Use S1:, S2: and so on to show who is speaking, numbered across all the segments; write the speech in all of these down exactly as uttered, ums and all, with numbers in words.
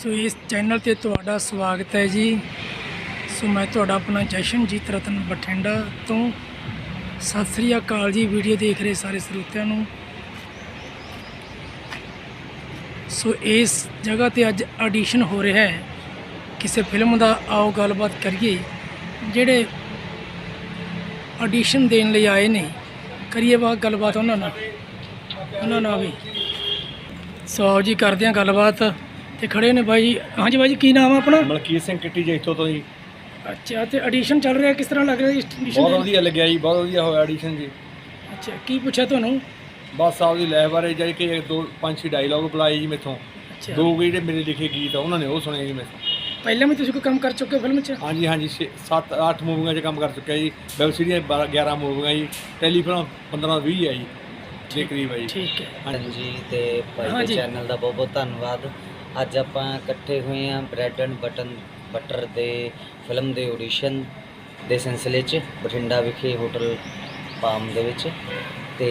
S1: ਸੋ ਇਸ ਚੈਨਲ ਤੇ ਤੁਹਾਡਾ ਸਵਾਗਤ ਹੈ ਜੀ। ਸੋ ਮੈਂ ਤੁਹਾਡਾ ਆਪਣਾ ਜਸ਼ਨਜੀਤ ਰਤਨ ਬਠਿੰਡਾ ਤੋਂ। ਸਤਿ ਸ੍ਰੀ ਅਕਾਲ ਜੀ ਵੀਡੀਓ ਦੇਖ ਰਹੇ ਸਾਰੇ ਸਰੋਤਿਆਂ ਨੂੰ। ਸੋ ਇਸ ਜਗ੍ਹਾ ਤੇ ਅੱਜ ਆਡੀਸ਼ਨ ਹੋ ਰਿਹਾ ਹੈ ਕਿਸੇ ਫਿਲਮ ਦਾ। ਆਓ ਗੱਲਬਾਤ ਕਰੀਏ ਜਿਹੜੇ ਆਡੀਸ਼ਨ ਦੇਣ ਲਈ ਆਏ ਨੇ, ਕਰੀਏ ਬਾਤ ਗੱਲਬਾਤ ਉਹਨਾਂ ਨਾਲ ਉਹਨਾਂ ਨਾਲ ਵੀ। ਸੋ ਆਓ ਜੀ ਕਰਦੇ ਹਾਂ ਗੱਲਬਾਤ। ਤੇ ਖੜੇ ਨੇ ਬਾਈ ਜੀ। ਹਾਂਜੀ ਬਾਈ ਜੀ, ਕੀ ਨਾਮ ਆ ਆਪਣਾ?
S2: ਮਲਕੀਤ ਸਿੰਘ ਕਿੱਟੀ ਜੀ ਇੱਥੋਂ ਤੋਂ ਜੀ।
S1: ਅੱਛਾ, ਤੇ ਆਡੀਸ਼ਨ ਚੱਲ ਰਿਹਾ, ਕਿਸ ਤਰ੍ਹਾਂ ਲੱਗ ਰਿਹਾ ਜੀ audition?
S2: ਬਹੁਤ ਵਧੀਆ ਲੱਗਿਆ ਜੀ, ਬਹੁਤ ਵਧੀਆ ਹੋਇਆ ਐਡੀਸ਼ਨ ਜੀ।
S1: ਅੱਛਾ, ਕੀ ਪੁੱਛਿਆ ਤੁਹਾਨੂੰ?
S2: ਬਸ ਸਾਹਿਬ ਦੀ ਲੈਬ ਬਾਰੇ ਜਾਈ ਕਿ ਇੱਕ ਦੋ ਪੰਜ ਛੇ ਡਾਇਲੌਗ ਬੁਲਾਏ ਜੀ ਮੇਥੋਂ।
S1: ਅੱਛਾ,
S2: ਦੋ ਜਿਹੜੇ ਮੇਰੇ ਲਿਖੇ ਗੀਤ ਆ ਉਹਨਾਂ ਨੇ ਉਹ ਸੁਣੇ ਜੀ ਮੇਥੋਂ।
S1: ਪਹਿਲਾਂ ਵੀ ਤੁਸੀਂ ਕੋਈ ਕੰਮ ਕਰ ਚੁੱਕੇ ਹੋ ਫਿਲਮ 'ਚ?
S2: ਹਾਂਜੀ ਹਾਂਜੀ, ਛੇ ਸੱਤ ਅੱਠ ਮੂਵੀਆਂ 'ਚ ਕੰਮ ਕਰ ਚੁੱਕਿਆ ਜੀ। ਵੈਬ ਸੀਰੀਜ਼ ਬਾਰਾਂ ਗਿਆਰਾਂ ਮੂਵੀਆਂ ਜੀ। ਟੈਲੀਫਿਲਮ ਪੰਦਰਾਂ ਵੀਹ ਹੈ ਜੀ ਦੇ ਕਰੀਬ ਹੈ ਜੀ।
S1: ਠੀਕ ਹੈ
S3: ਹਾਂਜੀ, ਤੇ ਭਾਈ ਦੇ ਚੈਨਲ ਦਾ ਬਹੁਤ ਬਹੁਤ ਧੰਨਵਾਦ। ਅੱਜ ਆਪਾਂ ਇਕੱਠੇ ਹੋਏ ਹਾਂ ਬ੍ਰੈਡ ਐਂਡ ਬਟਨ ਬਟਰ ਦੇ ਫਿਲਮ ਦੇ ਆਡੀਸ਼ਨ ਦੇ ਸਿਲਸਿਲੇ 'ਚ ਬਠਿੰਡਾ ਵਿਖੇ ਹੋਟਲ ਪਾਮ ਦੇ ਵਿੱਚ। ਤੇ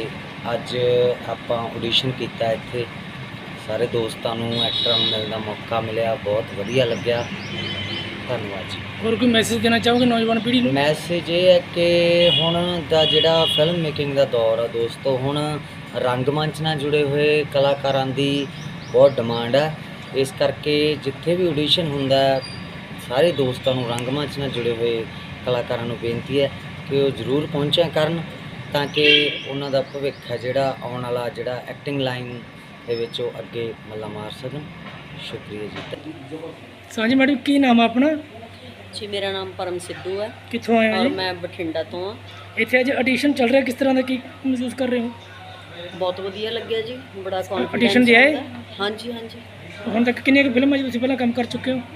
S3: ਅੱਜ ਆਪਾਂ ਆਡੀਸ਼ਨ ਕੀਤਾ ਇੱਥੇ। ਸਾਰੇ ਦੋਸਤਾਂ ਨੂੰ ਐਕਟਰਾਂ ਨੂੰ ਮਿਲਣ ਦਾ ਮੌਕਾ ਮਿਲਿਆ, ਬਹੁਤ ਵਧੀਆ ਲੱਗਿਆ। ਧੰਨਵਾਦ ਜੀ।
S1: ਹੋਰ ਕੋਈ ਮੈਸੇਜ ਦੇਣਾ ਚਾਹੋਗੇ ਨੌਜਵਾਨ ਪੀੜ੍ਹੀ ਨੂੰ?
S3: ਮੈਸੇਜ ਇਹ ਹੈ ਕਿ ਹੁਣ ਦਾ ਜਿਹੜਾ ਫਿਲਮ ਮੇਕਿੰਗ ਦਾ ਦੌਰ ਆ ਦੋਸਤੋ, ਹੁਣ ਰੰਗਮੰਚ ਨਾਲ ਜੁੜੇ ਹੋਏ ਕਲਾਕਾਰਾਂ ਦੀ ਬਹੁਤ ਡਿਮਾਂਡ ਹੈ। ਇਸ ਕਰਕੇ ਜਿੱਥੇ ਵੀ ਆਡੀਸ਼ਨ ਹੁੰਦਾ ਸਾਰੇ ਦੋਸਤਾਂ ਨੂੰ, ਰੰਗਮੰਚ ਨਾਲ ਜੁੜੇ ਹੋਏ ਕਲਾਕਾਰਾਂ ਨੂੰ ਬੇਨਤੀ ਹੈ ਕਿ ਉਹ ਜ਼ਰੂਰ ਪਹੁੰਚਿਆ ਕਰਨ, ਤਾਂ ਕਿ ਉਹਨਾਂ ਦਾ ਭਵਿੱਖ ਹੈ ਜਿਹੜਾ ਆਉਣ ਵਾਲਾ, ਜਿਹੜਾ ਐਕਟਿੰਗ ਲਾਈਨ ਦੇ ਵਿੱਚ ਉਹ ਅੱਗੇ ਮੱਲਾ ਮਾਰ ਸਕਣ। ਸ਼ੁਕਰੀਆ ਜੀ।
S1: ਸਾਂਝੀ ਮੈਡਮ, ਕੀ ਨਾਮ ਆ ਆਪਣਾ?
S4: ਜੀ, ਮੇਰਾ ਨਾਮ ਪਰਮ ਸਿੱਧੂ ਹੈ
S1: ਕਿੱਥੋਂ ਆਏ ਹੋ
S4: ਔਰ
S1: ਜੀ?
S4: ਮੈਂ ਬਠਿੰਡਾ ਤੋਂ ਹਾਂ।
S1: ਇੱਥੇ ਅੱਜ ਆਡੀਸ਼ਨ ਚੱਲ ਰਿਹਾ, ਕਿਸ ਤਰ੍ਹਾਂ ਦਾ, ਕੀ ਮਹਿਸੂਸ ਕਰ ਰਹੇ ਹੋ?
S4: ਬਹੁਤ ਵਧੀਆ ਲੱਗਿਆ ਜੀ, ਬੜਾ
S1: Audition
S4: ਕੌਨਫੀਡੈਂਸ
S1: ਦੇ ਆਏ?
S4: ਹਾਂਜੀ ਹਾਂਜੀ।
S1: ਹੁਣ ਤੱਕ ਕਿੰਨੀਆਂ ਕੁ ਫਿਲਮਾਂ 'ਚ ਤੁਸੀਂ ਪਹਿਲਾਂ ਕੰਮ ਕਰ ਚੁੱਕੇ ਹੋ?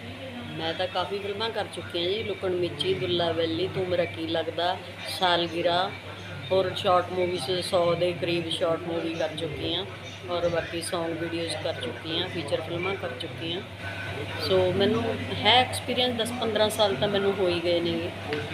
S4: ਮੈਂ ਤਾਂ ਕਾਫੀ ਫਿਲਮਾਂ ਕਰ ਚੁੱਕੀ ਹਾਂ ਜੀ। ਲੁਕਣ ਮਿੱਚੀ, ਦੁੱਲਾ ਵੈਲੀ, ਤੂੰ ਮੇਰਾ ਕੀ ਲੱਗਦਾ, ਸਾਲਗਿਰਾ, ਹੋਰ ਸ਼ਾਰਟ ਮੂਵੀਜ਼ ਸੌ ਦੇ ਕਰੀਬ ਸ਼ਾਰਟ ਮੂਵੀ ਕਰ ਚੁੱਕੀ ਹਾਂ, ਔਰ ਬਾਕੀ ਸੌਂਗ ਵੀਡੀਓਜ਼ ਕਰ ਚੁੱਕੀ ਹਾਂ, ਫੀਚਰ ਫਿਲਮਾਂ ਕਰ ਚੁੱਕੀ ਹਾਂ। ਸੋ ਮੈਨੂੰ ਹੈ ਐਕਸਪੀਰੀਅੰਸ ਦਸ ਪੰਦਰਾਂ ਸਾਲ ਤਾਂ ਮੈਨੂੰ ਹੋ ਹੀ ਗਏ ਨੇਗੇ।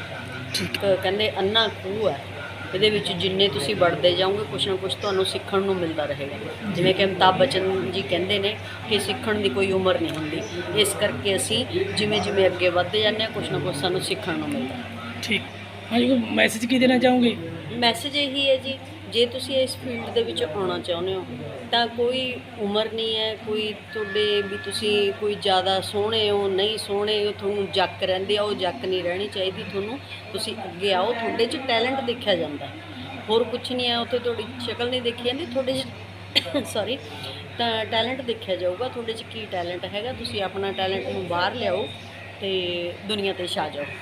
S4: ਠੀਕ ਕਹਿੰਦੇ ਅੰਨਾ ਖੂਹ ਹੈ, ਇਹਦੇ ਵਿੱਚ ਜਿੰਨੇ ਤੁਸੀਂ ਵੜਦੇ ਜਾਓਗੇ ਕੁਛ ਨਾ ਕੁਛ ਤੁਹਾਨੂੰ ਸਿੱਖਣ ਨੂੰ ਮਿਲਦਾ ਰਹੇਗਾ। ਜਿਵੇਂ ਕਿ ਅਮਿਤਾਭ ਬੱਚਨ ਜੀ ਕਹਿੰਦੇ ਨੇ ਕਿ ਸਿੱਖਣ ਦੀ ਕੋਈ ਉਮਰ ਨਹੀਂ ਹੁੰਦੀ। ਇਸ ਕਰਕੇ ਅਸੀਂ ਜਿਵੇਂ ਜਿਵੇਂ ਅੱਗੇ ਵੱਧਦੇ ਜਾਂਦੇ ਹਾਂ ਕੁਛ ਨਾ ਕੁਛ ਸਾਨੂੰ ਸਿੱਖਣ ਨੂੰ ਮਿਲਦਾ।
S1: ਠੀਕ। ਹਾਂਜੀ, ਕੋਈ ਮੈਸੇਜ ਕੀ ਦੇਣਾ ਚਾਹੋਗੇ?
S4: ਮੈਸੇਜ ਇਹੀ ਹੈ ਜੀ, ਜੇ ਤੁਸੀਂ ਇਸ ਫੀਲਡ ਦੇ ਵਿੱਚ ਆਉਣਾ ਚਾਹੁੰਦੇ ਹੋ ਤਾਂ ਕੋਈ ਉਮਰ ਨਹੀਂ ਹੈ, ਕੋਈ ਤੁਹਾਡੇ ਵੀ ਤੁਸੀਂ ਕੋਈ ਜ਼ਿਆਦਾ ਸੋਹਣੇ ਹੋ ਨਹੀਂ ਸੋਹਣੇ ਹੋ, ਤੁਹਾਨੂੰ ਜੱਕ ਰਹਿੰਦੇ ਆ, ਉਹ ਜੱਕ ਨਹੀਂ ਰਹਿਣੀ ਚਾਹੀਦੀ ਤੁਹਾਨੂੰ। ਤੁਸੀਂ ਅੱਗੇ ਆਓ, ਤੁਹਾਡੇ 'ਚ ਟੈਲੈਂਟ ਦੇਖਿਆ ਜਾਂਦਾ, ਹੋਰ ਕੁਛ ਨਹੀਂ ਹੈ। ਉੱਥੇ ਤੁਹਾਡੀ ਸ਼ਕਲ ਨਹੀਂ ਦੇਖੀ ਜਾਂਦੀ, ਤੁਹਾਡੇ 'ਚ ਸੌਰੀ ਤਾਂ ਟੈਲੈਂਟ ਦੇਖਿਆ ਜਾਊਗਾ, ਤੁਹਾਡੇ 'ਚ ਕੀ ਟੈਲੈਂਟ ਹੈਗਾ। ਤੁਸੀਂ ਆਪਣਾ ਟੈਲੈਂਟ ਨੂੰ ਬਾਹਰ ਲਿਆਓ ਅਤੇ ਦੁਨੀਆ 'ਤੇ ਛਾ ਜਾਓ।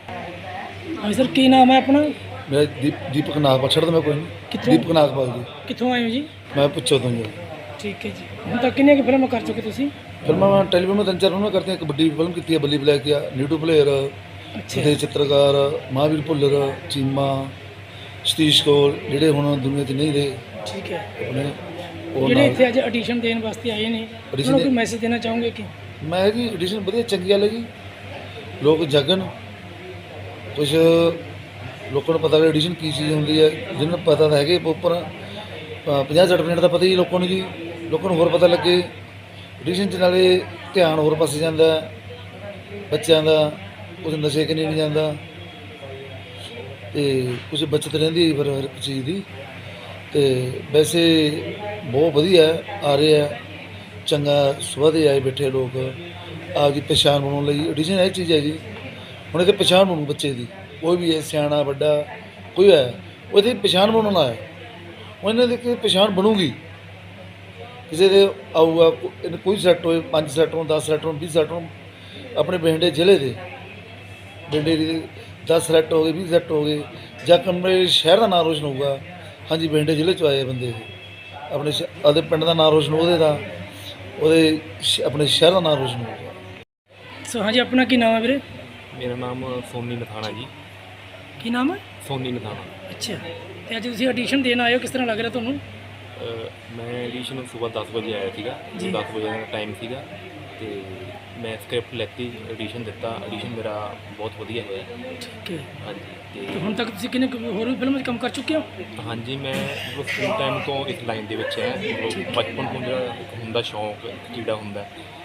S1: ਹਾਂਜੀ ਸਰ, ਕੀ ਨਾਮ ਹੈ ਆਪਣਾ?
S5: ਮੇਰਾ ਦੀਪ ਦੀਪਕ ਨਾਗਪਾਲ। ਛੱਡ ਮੈਂ ਕੋਈ ਨਹੀਂ।
S1: ਕਿੱਥੋਂ?
S5: ਦੀਪਕ ਨਾਗਪਾਲ ਜੀ।
S1: ਕਿੱਥੋਂ ਆਏ ਹੋ ਜੀ?
S5: ਮੈਂ ਪੁੱਛੋ ਤੋਂ ਜੀ।
S1: ਠੀਕ ਹੈ ਜੀ। ਹੁਣ ਤੱਕ ਕਿੰਨੀਆਂ ਕੁ ਫਿਲਮਾਂ ਕਰ ਚੁੱਕੇ ਤੁਸੀਂ?
S5: ਫਿਲਮਾਂ ਮੈਂ ਟੈਲੀਵਿਜ਼ਨ ਤਿੰਨ ਚਾਰ ਫਿਲਮਾਂ ਕਰਤੀਆਂ। ਇੱਕ ਵੱਡੀ ਫਿਲਮ ਕੀਤੀ ਹੈ ਬੱਲੀ ਬਲੈਕ ਆ, ਨੀਟੂ ਪਲੇਅਰ,
S1: ਅੱਛਾ
S5: ਦੇ ਚਿੱਤਰਕਾਰ ਮਹਾਵੀਰ ਭੁੱਲਰ, ਚੀਮਾ, ਸਤੀਸ਼ ਕੌਰ, ਜਿਹੜੇ ਹੁਣ ਦੁਨੀਆ 'ਚ ਨਹੀਂ ਰਹੇ
S1: ਠੀਕ ਹੈ।
S5: ਆਪਣੇ ਉਹ
S1: ਜਿਹੜੇ
S5: ਨਾਲ
S1: ਇੱਥੇ ਅੱਜ ਆਡੀਸ਼ਨ ਦੇਣ ਵਾਸਤੇ ਆਏ ਨੇ, ਉਹਨਾਂ ਨੂੰ ਕੋਈ ਮੈਸੇਜ ਦੇਣਾ ਚਾਹੋਗੇ ਕਿ?
S5: ਮੈਂ ਜੀ ਐਡੀਸ਼ਨ ਵਧੀਆ ਚੰਗੀ ਗੱਲ ਹੈ ਜੀ। ਲੋਕ ਜਾਗਣ, ਕੁਛ ਲੋਕਾਂ ਨੂੰ ਪਤਾ ਵੀ ਐਡੀਸ਼ਨ ਕੀ ਚੀਜ਼ ਹੁੰਦੀ ਹੈ। ਜਿਹਨਾਂ ਨੂੰ ਪਤਾ ਤਾਂ ਹੈਗੇ ਉੱਪਰ ਪੰਜਾਹ ਸੱਠ ਮਿੰਟ ਦਾ ਪਤਾ ਹੀ ਲੋਕਾਂ ਨੂੰ ਜੀ। ਲੋਕਾਂ ਨੂੰ ਹੋਰ ਪਤਾ ਲੱਗੇ ਐਡੀਸ਼ਨ 'ਚ, ਨਾਲੇ ਧਿਆਨ ਹੋਰ ਪਾਸੇ ਜਾਂਦਾ ਬੱਚਿਆਂ ਦਾ, ਕੁਛ ਨਸ਼ੇ ਕਨੀ ਨਹੀਂ ਜਾਂਦਾ ਅਤੇ ਕੁਛ ਬੱਚਤ ਰਹਿੰਦੀ ਫਿਰ ਹਰ ਇੱਕ ਚੀਜ਼ ਦੀ। ਅਤੇ ਵੈਸੇ ਬਹੁਤ ਵਧੀਆ ਆ ਰਿਹਾ, ਚੰਗਾ ਸੁਭਾਅ ਦੇ ਆਏ ਬੈਠੇ ਲੋਕ ਆਪਦੀ ਪਛਾਣ ਬਣਾਉਣ ਲਈ। ਐਡੀਸ਼ਨ ਇਹ ਚੀਜ਼ ਹੈ ਜੀ, ਹੁਣ ਇਹਦੇ ਪਛਾਣ ਬਣੂ ਬੱਚੇ ਦੀ, ਕੋਈ ਵੀ ਹੈ ਸਿਆਣਾ ਵੱਡਾ ਕੋਈ ਹੈ, ਉਹਦੀ ਪਛਾਣ ਬਣਾਉਣ ਆਇਆ। ਉਹਨਾਂ ਦੀ ਕਿ ਪਛਾਣ ਬਣੂਗੀ, ਕਿਸੇ ਦੇ ਆਊਗਾ ਕੋਈ ਸੈੱਟ ਹੋਏ, ਪੰਜ ਸੈੱਟ ਹੋਣ, ਦਸ ਸੈੱਟ ਹੋਣ, ਵੀਹ ਸੈੱਟ ਹੋਣ। ਆਪਣੇ ਬਠਿੰਡੇ ਜ਼ਿਲ੍ਹੇ ਦੇ ਬਠਿੰਡੇ ਦੇ ਦਸ ਸੈੱਟ ਹੋ ਗਏ, ਵੀਹ ਸੈੱਟ ਹੋ ਗਏ, ਜਾਂ ਆਪਣੇ ਸ਼ਹਿਰ ਦਾ ਨਾਂ ਰੋਸ਼ਨ ਹੋਊਗਾ। ਹਾਂਜੀ, ਬਠਿੰਡੇ ਜ਼ਿਲ੍ਹੇ 'ਚੋਂ ਆਏ ਬੰਦੇ ਆਪਣੇ ਸ਼ ਆਪਦੇ ਪਿੰਡ ਦਾ ਨਾਂ ਰੋਸ਼ਨ, ਉਹਦੇ ਦਾ ਉਹਦੇ ਆਪਣੇ ਸ਼ਹਿਰ ਦਾ ਨਾਂ ਰੋਸ਼ਨ ਹੋਊਗਾ।
S1: ਸੋ ਹਾਂਜੀ, ਆਪਣਾ ਕੀ ਨਾਮ ਹੈ ਵੀਰੇ?
S6: ਮੇਰਾ ਨਾਮ ਸੋਨੀ ਨਥਾਣਾ ਜੀ।
S1: ਕੀ ਨਾਮ ਹੈ?
S6: ਸੋਨੀ ਨਥਾਣਾ।
S1: ਅੱਛਾ, ਤੇ ਅੱਜ ਤੁਸੀਂ ਆਡੀਸ਼ਨ ਦੇਣ ਆਏ ਹੋ, ਕਿਸ ਤਰ੍ਹਾਂ ਲੱਗ ਰਿਹਾ ਤੁਹਾਨੂੰ?
S6: ਅ, ਮੈਂ ਐਡੀਸ਼ਨ ਸੁਬਾਹ ਦਸ ਵਜੇ ਆਇਆ ਸੀਗਾ ਜੀ। ਦਸ ਵਜੇ ਦਾ ਟਾਈਮ ਸੀਗਾ ਅਤੇ ਮੈਂ ਸਕ੍ਰਿਪਟ ਲੈਤੀ, ਐਡੀਸ਼ਨ ਦਿੱਤਾ। ਐਡੀਸ਼ਨ ਮੇਰਾ ਬਹੁਤ ਵਧੀਆ ਹੋਇਆ।
S1: ਠੀਕ ਹੈ।
S6: ਹਾਂਜੀ।
S1: ਤੇ
S6: ਅਤੇ
S1: ਹੁਣ ਤੱਕ ਤੁਸੀਂ ਕਿੰਨੇ ਕੁ ਹੋਰ ਵੀ ਫਿਲਮਾਂ 'ਚ ਕੰਮ ਕਰ ਚੁੱਕੇ ਹੋ?
S6: ਹਾਂਜੀ, ਮੈਂ ਮਤਲਬ ਸਕੂਲ ਟਾਈਮ ਤੋਂ ਇਸ ਲਾਈਨ ਦੇ ਵਿੱਚ ਹੈ। ਮਤਲਬ ਬਚਪਨ ਤੋਂ ਜਿਹੜਾ ਇੱਕ ਹੁੰਦਾ ਸ਼ੌਂਕ, ਜਿਹੜਾ ਹੁੰਦਾ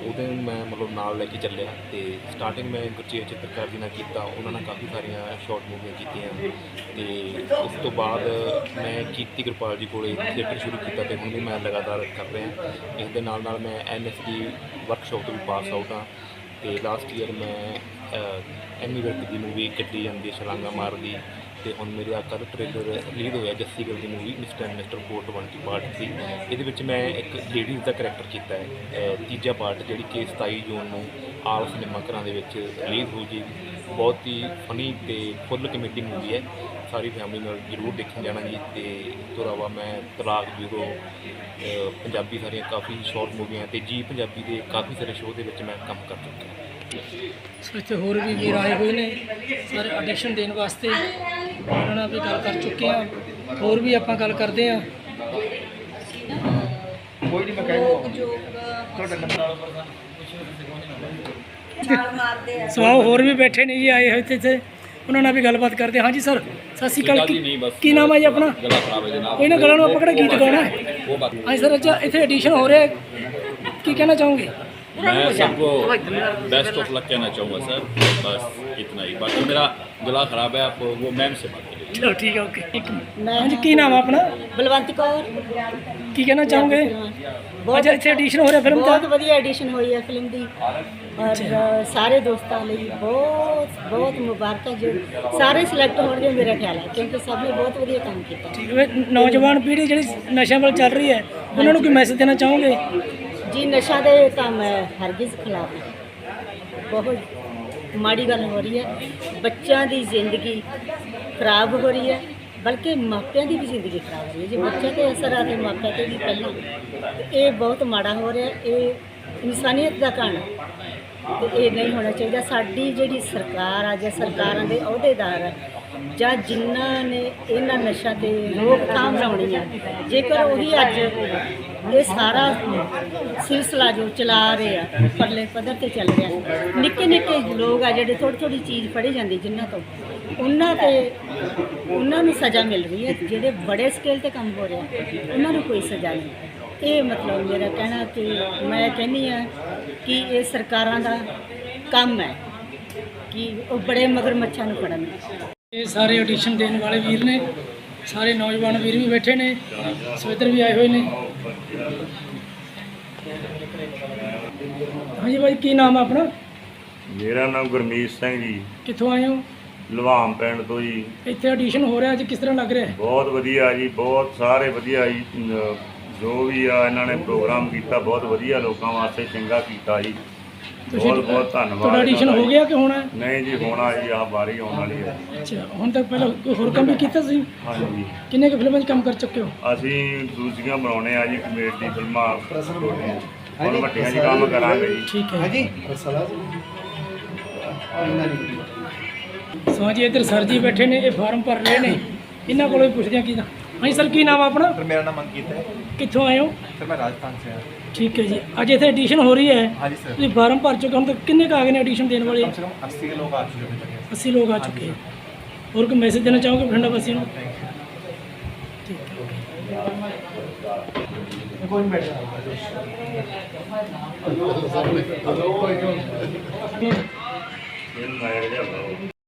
S6: ਉਹਦੇ ਨੂੰ ਮੈਂ ਮਤਲਬ ਨਾਲ ਲੈ ਕੇ ਚੱਲਿਆ ਤੇ ਸਟਾਰਟਿੰਗ ਮੈਂ ਗੁਰਚੇਤ ਚਿੱਤਰਕਾਰ ਜੀ ਨਾਲ ਕੀਤਾ, ਉਹਨਾਂ ਨਾਲ ਕਾਫੀ ਸਾਰੀਆਂ ਸ਼ਾਰਟ ਮੂਵੀਆਂ ਕੀਤੀਆਂ ਤੇ ਉਸ ਤੋਂ ਬਾਅਦ ਮੈਂ ਕੀਰਤੀ ਕਿਰਪਾਲ ਜੀ ਕੋਲੇ ਥੀਏਟਰ ਸ਼ੁਰੂ ਕੀਤਾ ਤੇ ਹੁਣ ਵੀ ਮੈਂ ਲਗਾਤਾਰ ਕਰ ਰਿਹਾ। ਇਸ ਦੇ ਨਾਲ ਨਾਲ ਮੈਂ ਐਨ ਐਸ ਡੀ ਵਰਕਸ਼ਾਪ ਤੋਂ ਵੀ ਪਾਸ ਆਊਟ ਹਾਂ ਤੇ ਲਾਸਟ ਈਅਰ ਮੈਂ ਐਮੀ ਵਿਰਕ ਦੀ ਮੂਵੀ ਕੱਢੀ ਜਾਂਦੀ ਹੈ ਛਲਾਂਗਾ ਮਾਰਦੀ ਤੇ ਹੁਣ ਮੇਰੇ ਆਕਾ ਦਾ ਟ੍ਰੇਲਰ ਰਿਲੀਜ਼ ਹੋਇਆ ਜੱਸੀ ਗਿੱਲ ਦੀ movie mister and mister four twenty part ਸੀ। ਇਹਦੇ ਵਿੱਚ ਮੈਂ ਇੱਕ ਲੇਡੀਜ਼ ਦਾ ਕਰੈਕਟਰ ਕੀਤਾ ਹੈ, ਅ, ਤੀਜਾ ਪਾਰਟ ਜਿਹੜੀ ਕਿ ਸਤਾਈ ਜੂਨ ਨੂੰ ਆਲ ਸਿਨੇਮਾ ਘਰਾਂ ਦੇ ਵਿੱਚ ਰਿਲੀਜ਼ ਹੋ ਜੀ। ਬਹੁਤ ਹੀ ਫਨੀ ਤੇ ਫੁੱਲ ਕਮੇਡੀ ਮੂਵੀ ਹੈ, ਸਾਰੀ ਫੈਮਿਲੀ ਨਾਲ ਜ਼ਰੂਰ ਦੇਖਣ ਜਾਣਾ ਜੀ। ਤੇ ਇਸ ਤੋਂ ਇਲਾਵਾ ਮੈਂ ਤਲਾਕ ਜੂਰੋ ਪੰਜਾਬੀ ਸਾਰੀਆਂ ਕਾਫੀ ਸ਼ਾਰਟ ਮੂਵੀਆਂ ਤੇ ਜੀ ਪੰਜਾਬੀ ਦੇ ਕਾਫੀ ਸਾਰੇ ਸ਼ੋਅ ਦੇ ਵਿੱਚ ਮੈਂ ਕੰਮ ਕਰ ਚੁੱਕਿਆ।
S1: ਸੋ ਇੱਥੇ ਹੋਰ ਵੀ ਵੀਰ ਆਏ ਹੋਏ ਨੇ ਸਾਰੇ ਆਡੀਸ਼ਨ ਦੇਣ ਵਾਸਤੇ, ਉਹਨਾਂ ਨਾਲ ਵੀ ਗੱਲ ਕਰ ਚੁੱਕੇ ਹਾਂ। ਹੋਰ ਵੀ ਆਪਾਂ ਗੱਲ ਕਰਦੇ ਹਾਂ। ਸਵਾਓ ਹੋਰ ਵੀ ਬੈਠੇ ਨੇ ਜੀ, ਆਏ ਹੋਏ ਤੇ ਇੱਥੇ, ਉਹਨਾਂ ਨਾਲ ਵੀ ਗੱਲਬਾਤ ਕਰਦੇ ਹਾਂ। ਹਾਂਜੀ ਸਰ, ਸਤਿ ਸ਼੍ਰੀ ਅਕਾਲ। ਕੀ ਕੀ ਨਾਮ ਹੈ ਜੀ ਆਪਣਾ? ਕੋਈ ਨਾ ਗਲਾ ਨੂੰ ਆਪਾਂ ਕਿਹੜਾ ਗੀਤ ਗਾਉਣਾ ਹੈ। ਹਾਂਜੀ ਸਰ, ਅੱਛਾ ਇੱਥੇ ਐਡੀਸ਼ਨ ਹੋ ਰਿਹਾ, ਕੀ ਕਹਿਣਾ ਚਾਹੋਗੇ?
S7: मैं सबको बेस्ट ऑफ लक कहना चाहूँगा सर, बस इतना ही। बाकी मेरा गला ख़राब है, आप वो मैम से बात करिए।
S1: ਚਲੋ ਠੀਕ ਹੈ, ਓਕੇ। ਹਾਂਜੀ ਕੀ ਨਾਮ ਆ ਆਪਣਾ?
S8: ਬਲਵੰਤ ਕੌਰ।
S1: ਕੀ ਕਹਿਣਾ ਚਾਹੋਗੇ? ਅੱਜ ਇੱਥੇ ਐਡੀਸ਼ਨ ਹੋ ਰਿਹਾ ਫਿਲਮ ਦਾ?
S8: ਬਹੁਤ ਵਧੀਆ ਐਡੀਸ਼ਨ ਹੋਈ ਹੈ ਫਿਲਮ ਦੀ ਔਰ ਸਾਰੇ ਦੋਸਤਾਂ ਲਈ ਬਹੁਤ ਬਹੁਤ ਮੁਬਾਰਕਾਂ। ਜੋ ਸਾਰੇ ਸਿਲੈਕਟ ਹੋਣਗੇ ਮੇਰਾ ਖਿਆਲ ਹੈ, ਕਿਉਂਕਿ ਸਭ ਨੇ ਬਹੁਤ ਵਧੀਆ ਕੰਮ ਕੀਤਾ।
S1: ਠੀਕ ਹੈ। ਨੌਜਵਾਨ ਪੀੜ੍ਹੀ ਜਿਹੜੀ ਨਸ਼ਿਆਂ ਵੱਲ ਚੱਲ ਰਹੀ ਹੈ, ਉਹਨਾਂ ਨੂੰ ਕੋਈ ਮੈਸੇਜ ਦੇਣਾ ਚਾਹੋਗੇ?
S8: ਜੀ ਨਸ਼ਾ ਦੇ ਤਾਂ ਮੈਂ ਹਰਗਿਜ਼ ਖਿਲਾਫ ਹਾਂ। ਬਹੁਤ ਮਾੜੀ ਗੱਲ ਹੋ ਰਹੀ ਹੈ, ਬੱਚਿਆਂ ਦੀ ਜ਼ਿੰਦਗੀ ਖਰਾਬ ਹੋ ਰਹੀ ਹੈ, ਬਲਕਿ ਮਾਪਿਆਂ ਦੀ ਵੀ ਜ਼ਿੰਦਗੀ ਖਰਾਬ ਹੋ ਰਹੀ ਹੈ। ਜੇ ਬੱਚਿਆਂ 'ਤੇ ਅਸਰ ਆ ਤੇ ਮਾਪਿਆਂ 'ਤੇ ਵੀ ਪਹਿਲਾਂ, ਤੇ ਇਹ ਬਹੁਤ ਮਾੜਾ ਹੋ ਰਿਹਾ। ਇਹ ਇਨਸਾਨੀਅਤ ਦਾ ਘਾਣ ਹੈ ਤੇ ਇਹ ਨਹੀਂ ਹੋਣਾ ਚਾਹੀਦਾ। ਸਾਡੀ ਜਿਹੜੀ ਸਰਕਾਰ ਆ ਜਾਂ ਸਰਕਾਰਾਂ ਦੇ ਅਹੁਦੇਦਾਰ ਆ ਜਾਂ ਜਿਨ੍ਹਾਂ ਨੇ ਇਹਨਾਂ ਨਸ਼ਾ 'ਤੇ ਰੋਕਥਾਮ ਲਾਉਣੀ ਆ, ਜੇਕਰ ਉਹੀ ਅੱਜ ਇਹ ਸਾਰਾ ਸਿਲਸਿਲਾ ਜੋ ਚਲਾ ਰਹੇ ਆ ਪਰਲੇ ਪੱਧਰ 'ਤੇ ਚੱਲ ਰਿਹਾ, ਨਿੱਕੇ ਨਿੱਕੇ ਲੋਕ ਆ ਜਿਹੜੇ ਥੋੜ੍ਹੀ ਥੋੜ੍ਹੀ ਚੀਜ਼ ਫੜੀ ਜਾਂਦੀ ਜਿਨ੍ਹਾਂ ਤੋਂ, ਉਹਨਾਂ 'ਤੇ ਉਹਨਾਂ ਨੂੰ ਸਜ਼ਾ ਮਿਲ ਰਹੀ ਹੈ। ਜਿਹੜੇ ਬੜੇ ਸਕੇਲ 'ਤੇ ਕੰਮ ਹੋ ਰਿਹਾ ਉਹਨਾਂ ਨੂੰ ਕੋਈ ਸਜ਼ਾ ਨਹੀਂ। ਇਹ ਮਤਲਬ ਮੇਰਾ ਕਹਿਣਾ ਕਿ ਮੈਂ ਕਹਿੰਦੀ ਹਾਂ ਕਿ ਇਹ ਸਰਕਾਰਾਂ ਦਾ ਕੰਮ ਹੈ ਕਿ ਉਹ ਬੜੇ ਮਗਰਮੱਛਾਂ ਨੂੰ ਫੜਨ।
S1: ਇਹ ਸਾਰੇ ਆਡੀਸ਼ਨ ਦੇਣ ਵਾਲੇ ਵੀਰ ਨੇ, ਸਾਰੇ ਨੌਜਵਾਨ ਵੀਰ ਵੀ ਬੈਠੇ ਨੇ, ਸਵੇਦਰ ਵੀ ਆਏ ਹੋਏ ਨੇ। ਹਾਂਜੀ ਭਾਈ, ਕੀ ਨਾਮ ਆ ਆਪਣਾ?
S9: ਮੇਰਾ ਨਾਮ ਗੁਰਮੀਤ ਸਿੰਘ ਜੀ,
S1: ਕਿੱਥੋਂ ਆਏ ਹੋ?
S9: ਲਵਾਮ ਪਿੰਡ ਤੋਂ ਜੀ।
S1: ਇੱਥੇ ਆਡੀਸ਼ਨ ਹੋ ਰਿਹਾ ਅੱਜ, ਕਿਸ ਤਰ੍ਹਾਂ ਲੱਗ ਰਿਹਾ?
S9: ਬਹੁਤ ਵਧੀਆ ਜੀ, ਬਹੁਤ ਸਾਰੇ ਵਧੀਆ ਜੀ। ਅਮ ਜੋ ਵੀ ਆ ਇਹਨਾਂ ਨੇ ਪ੍ਰੋਗਰਾਮ ਕੀਤਾ ਬਹੁਤ ਵਧੀਆ, ਲੋਕਾਂ ਵਾਸਤੇ ਚੰਗਾ ਕੀਤਾ ਜੀ। ਬਹੁਤ ਬਹੁਤ ਧੰਨਵਾਦ।
S1: ਤੁਹਾਡਾ ਆਡੀਸ਼ਨ ਹੋ ਗਿਆ ਕਿ ਹੋਣਾ?
S9: ਨਹੀਂ ਜੀ, ਹੋਣਾ ਜੀ, ਆਹ ਵਾਰੀ ਆਉਣ ਵਾਲੀ ਹੈ।
S1: ਅੱਛਾ, ਹੁਣ ਤੱਕ ਪਹਿਲਾਂ ਕੋਈ ਹੋਰ ਕੰਮ ਵੀ ਕੀਤਾ ਸੀ?
S9: ਹਾਂਜੀ,
S1: ਕਿੰਨੇ ਕੁ ਫਿਲਮਾਂ 'ਚ ਕੰਮ ਕਰ ਚੁੱਕੇ ਹੋ?
S9: ਅਸੀਂ ਦੂਜੀਆਂ ਬਣਾਉਣੇ ਆ ਜੀ, ਕਮੇਡੀ ਫਿਲਮਾਂ ਛੋਟੀਆਂ, ਹੁਣ ਵੱਡੀਆਂ 'ਚ ਕੰਮ ਕਰਾਂਗੇ ਜੀ।
S1: ਠੀਕ ਹੈ ਜੀ। ਸੋ ਜੀ ਇੱਧਰ ਸਰ ਜੀ ਬੈਠੇ ਨੇ, ਇਹ ਫਾਰਮ ਭਰ ਰਹੇ ਨੇ, ਇਹਨਾਂ ਕੋਲੋਂ ਵੀ ਪੁੱਛਦੇ ਹਾਂ ਕੀ ਦਾ। ਹਾਂਜੀ ਸਰ, ਕੀ ਨਾਮ ਆ ਆਪਣਾ?
S10: सर मेरा नाम अंकित है।
S1: ਕਿੱਥੋਂ ਆਏ ਹੋ?
S10: सर मैं राजस्थान से हूँ।
S1: ਠੀਕ ਹੈ ਜੀ। ਅੱਜ ਇੱਥੇ ਐਡੀਸ਼ਨ ਹੋ ਰਹੀ ਹੈ,
S10: हाँ जी सर,
S1: ਤੁਸੀਂ ਫਾਰਮ ਭਰ ਚੁੱਕੇ ਹੋ, ਹੁਣ ਤੱਕ ਕਿੰਨੇ ਕੁ ਆ ਗਏ ਨੇ ਐਡੀਸ਼ਨ ਦੇਣ ਵਾਲੇ?
S10: कम से कम अस्सी के लोग आ चुके हैं अभी तक।
S1: अस्सी लोग आ चुके हैं। और कोई मैसेज देना चाहोगे बठिंडा वासियों को? ठीक है।
S9: ਇਹਨੂੰ ਆਇਆ ਜਿਹਾ